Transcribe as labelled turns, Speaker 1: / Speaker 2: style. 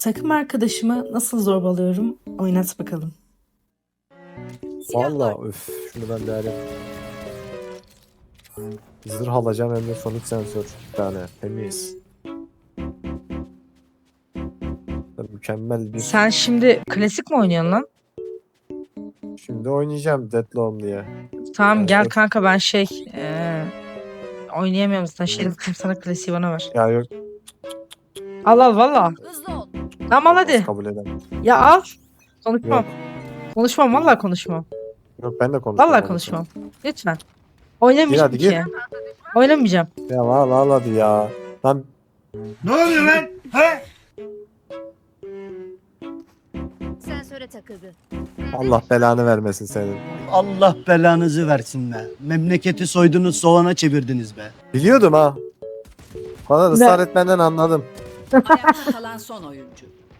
Speaker 1: Takım arkadaşımı nasıl zorbalıyorum? Oynat bakalım.
Speaker 2: Valla öf şunu ben bir alayım. Zırh alacağım hem de sonik sensör bir tane temiz. Mükemmel bir
Speaker 3: Sen şimdi klasik mi oynuyorsun lan?
Speaker 2: şimdi oynayacağım Deadloom diye.
Speaker 3: Tamam
Speaker 2: Ben
Speaker 3: gel
Speaker 2: şey-
Speaker 3: kanka ben oynayamıyorum zaten. Şerif sana klasiği bana ver.
Speaker 2: Ya yok
Speaker 3: Al al valla.
Speaker 4: Hızlı ol.
Speaker 3: Tamam al
Speaker 2: olmaz,
Speaker 3: hadi.
Speaker 2: kabul edemem.
Speaker 3: Ya al. Konuşmam.
Speaker 2: Yok
Speaker 3: Konuşmam valla konuşmam.
Speaker 2: yok ben de konuşmam.
Speaker 3: Valla
Speaker 2: onu
Speaker 3: konuşmam. Lütfen.
Speaker 2: Gir
Speaker 3: Oynamayacağım
Speaker 2: hadi, gir.
Speaker 3: ki. Oynamayacağım.
Speaker 2: Ya al hadi ya. Lan
Speaker 5: Ne oluyor lan? He?
Speaker 4: Sensöre takıldı.
Speaker 2: Allah belanı vermesin senin.
Speaker 5: Allah belanızı versin be. Memleketi soydunuz, soğana çevirdiniz be.
Speaker 2: Biliyordum ha. Bana ısrar etmenden anladım.
Speaker 6: Ayakta kalan son oyuncu.